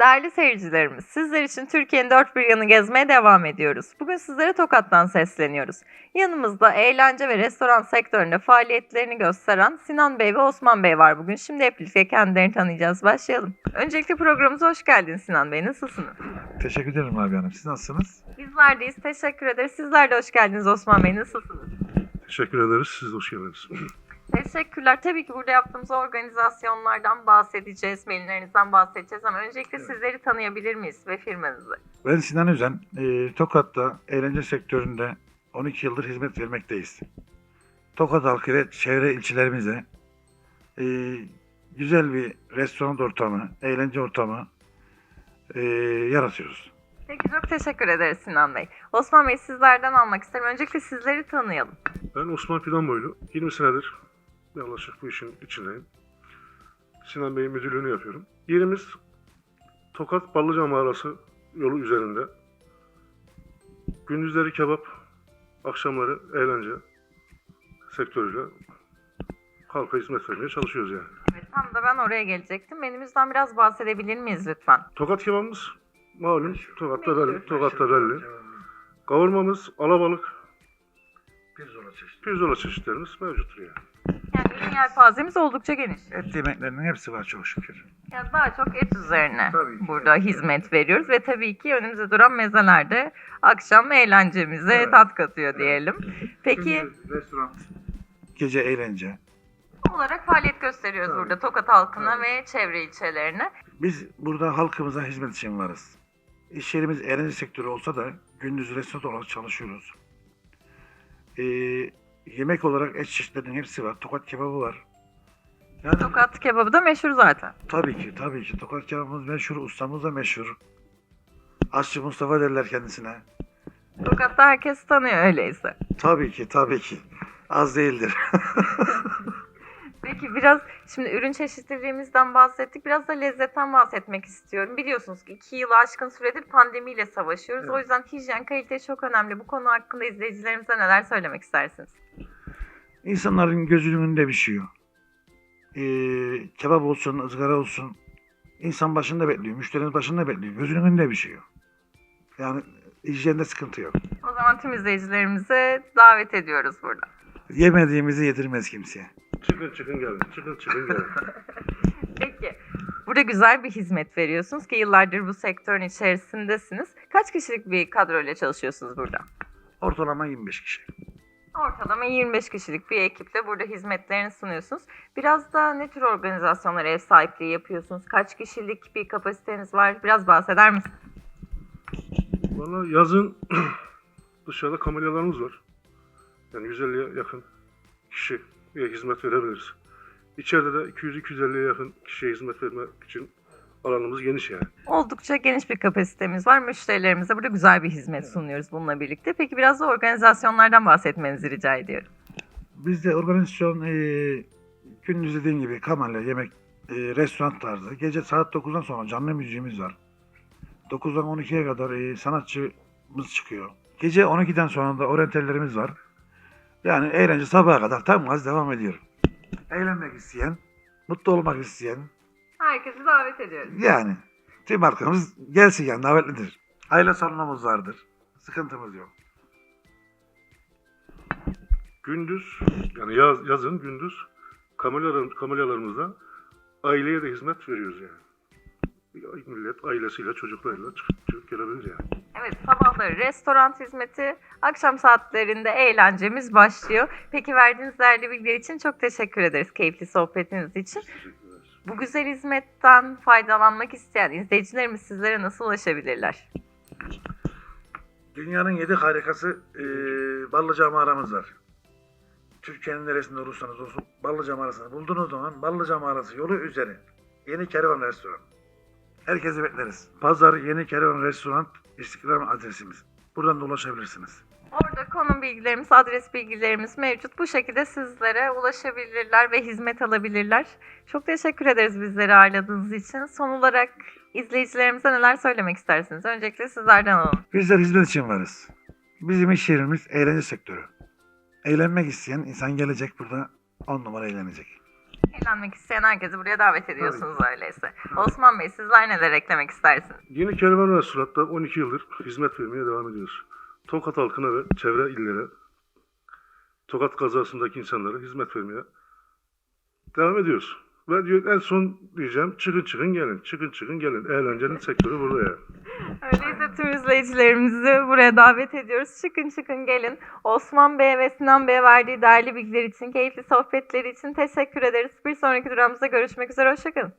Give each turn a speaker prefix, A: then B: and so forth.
A: Değerli seyircilerimiz, sizler için Türkiye'nin dört bir yanı gezmeye devam ediyoruz. Bugün sizlere Tokat'tan sesleniyoruz. Yanımızda eğlence ve restoran sektöründe faaliyetlerini gösteren Sinan Bey ve Osman Bey var bugün. Şimdi hep birlikte kendilerini tanıyacağız. Başlayalım. Öncelikle programımıza hoş geldiniz Sinan Bey. Nasılsınız?
B: Teşekkür ederim abi hanım. Siz nasılsınız?
A: Bizler deyiz. Teşekkür ederiz. Sizler de hoş geldiniz Osman Bey. Nasılsınız?
C: Teşekkür ederiz. Siz de hoş geldiniz.
A: Teşekkürler. Tabii ki burada yaptığımız organizasyonlardan bahsedeceğiz, maillerinizden bahsedeceğiz ama öncelikle sizleri tanıyabilir miyiz ve firmanızı?
B: Ben Sinan Özen. Tokat'ta eğlence sektöründe 12 yıldır hizmet vermekteyiz. Tokat halkı ve çevre ilçelerimize güzel bir restoran ortamı, eğlence ortamı yaratıyoruz.
A: Peki çok teşekkür ederiz Sinan Bey. Osman Bey sizlerden almak isterim. Öncelikle sizleri tanıyalım.
C: Ben Osman Fidanboylu. 20 senedir yaklaşık bu işin içindeyim. Sinan Bey'in müdürlüğünü yapıyorum. Yerimiz Tokat Ballıca Mağarası yolu üzerinde. Gündüzleri kebap, akşamları eğlence sektörüyle halka hizmet vermeye çalışıyoruz yani.
A: Evet, tam da ben oraya gelecektim. Menümüzden biraz bahsedebilir miyiz lütfen?
C: Tokat kebabımız malum Tokat'ta belli. Tokat'ta belli. Kavurmamız, alabalık, pirzola çeşitlerimiz mevcuttur yani.
A: Yani ürün yelpazemiz oldukça geniş.
B: Et yemeklerinin hepsi var çok şükür.
A: Yani daha çok et üzerine
B: Tabii ki.
A: burada hizmet veriyoruz ve tabii ki önümüzde duran mezeler de akşam eğlencemize
B: Evet.
A: tat katıyor diyelim. Peki
B: Gündüz restoran, gece eğlence.
A: olarak faaliyet gösteriyoruz
B: Tabii.
A: burada Tokat halkına
B: Tabii.
A: ve çevre ilçelerine.
B: Biz burada halkımıza hizmet için varız. İş yerimiz eğlence sektörü olsa da gündüz restoran olarak çalışıyoruz. Yemek olarak et çeşitlerinin hepsi var. Tokat kebabı var. Yani
A: Tokat kebabı da meşhur zaten.
B: tabii ki. Tokat kebabımız meşhur, ustamız da meşhur. Aşçı Mustafa derler kendisine.
A: Tokat'ta herkes tanıyor öyleyse.
B: Tabii ki. Az değildir.
A: Peki biraz şimdi ürün çeşitliliğimizden bahsettik. Biraz da lezzetten bahsetmek istiyorum. Biliyorsunuz ki 2 yılı aşkın süredir pandemiyle savaşıyoruz.
B: Evet.
A: O yüzden hijyen, kalite çok önemli. Bu konu hakkında izleyicilerimize neler söylemek istersiniz?
B: İnsanların gözünün önünde pişiyor. Kebap olsun, ızgara olsun. İnsan başında bekliyor, müşterinin başında bekliyor. Gözünün önünde pişiyor. Yani hijyende sıkıntı yok.
A: O zaman tüm izleyicilerimize davet ediyoruz burada.
B: Yemediğimizi yedirmez kimseye.
C: Çıkın gelin. Çıkın gelin.
A: Peki, burada güzel bir hizmet veriyorsunuz ki yıllardır bu sektörün içerisindesiniz. Kaç kişilik bir kadroyla çalışıyorsunuz burada?
B: Ortalama 25 kişi.
A: Ortalama 25 kişilik bir ekiple burada hizmetlerini sunuyorsunuz. Biraz da ne tür organizasyonlara ev sahipliği yapıyorsunuz? Kaç kişilik bir kapasiteniz var? Biraz bahseder misiniz?
C: Valla yazın dışarıda kamelyalarımız var. Yani 150'ye yakın kişiye hizmet verebiliriz. İçeride de 200-250'ye yakın kişiye hizmet vermek için alanımız geniş yani.
A: Oldukça geniş bir kapasitemiz var. Müşterilerimize burada güzel bir hizmet sunuyoruz bununla birlikte. Peki biraz da organizasyonlardan bahsetmenizi rica ediyorum.
B: Bizde organizasyon gündüz dediğim gibi kamelya, yemek, restoran tarzı. Gece saat 9'dan sonra canlı müziğimiz var. 9'dan 12'ye kadar sanatçımız çıkıyor. Gece 12'den sonra da oryantallerimiz var. Yani eğlence sabaha kadar tam gaz devam ediyor. Eğlenmek isteyen, mutlu olmak isteyen,
A: Herkesi davet ediyoruz.
B: yani tüm halkımız gelsin yani davetlidir. Aile salonumuz vardır. Sıkıntımız yok.
C: Gündüz yani yazın gündüz kamelyalarımızda aileye de hizmet veriyoruz yani. Millet ailesiyle çocuklarıyla çıkıp gelebilir yani.
A: Evet, sabahları restoran hizmeti, akşam saatlerinde eğlencemiz başlıyor. Peki verdiğiniz değerli bilgiler için çok teşekkür ederiz keyifli sohbetiniz için.
C: Teşekkürler.
A: Bu güzel hizmetten faydalanmak isteyen izleyicilerimiz sizlere nasıl ulaşabilirler?
B: Dünyanın 7 harikası Ballıca mağaramız var. Türkiye'nin neresinde olursanız olsun Ballıca mağarasını bulduğunuz zaman Ballıca mağarası yolu üzeri Yeni Kervan Restoran. Herkesi bekleriz. Pazar Yeni Kervan Restoran İstiklal adresimiz. Buradan da ulaşabilirsiniz.
A: Orada konum bilgilerimiz, adres bilgilerimiz mevcut. Bu şekilde sizlere ulaşabilirler ve hizmet alabilirler. Çok teşekkür ederiz bizleri ağırladığınız için. Son olarak izleyicilerimize neler söylemek istersiniz? Öncelikle sizlerden alalım.
B: Bizler hizmet için varız. Bizim iş yerimiz eğlence sektörü. Eğlenmek isteyen insan gelecek burada 10 numara eğlenecek.
A: Eğlenmek isteyen herkesi buraya davet ediyorsunuz öyleyse. Osman Bey, sizler neler eklemek istersiniz?
C: Yeni Kervan Restoran'ta 12 yıldır hizmet vermeye devam ediyoruz. Tokat halkına ve çevre illere, Tokat kazasındaki insanlara hizmet vermeye devam ediyoruz. Ve en son diyeceğim, çıkın gelin, çıkın gelin. Eğlencenin sektörü burada yani.
A: Öyleyse tüm izleyicilerimizi buraya davet ediyoruz. Çıkın gelin. Osman Bey'e ve Sinan Bey'e verdiği değerli bilgiler için, keyifli sohbetleri için teşekkür ederiz. Bir sonraki durağımızda görüşmek üzere. Hoşçakalın.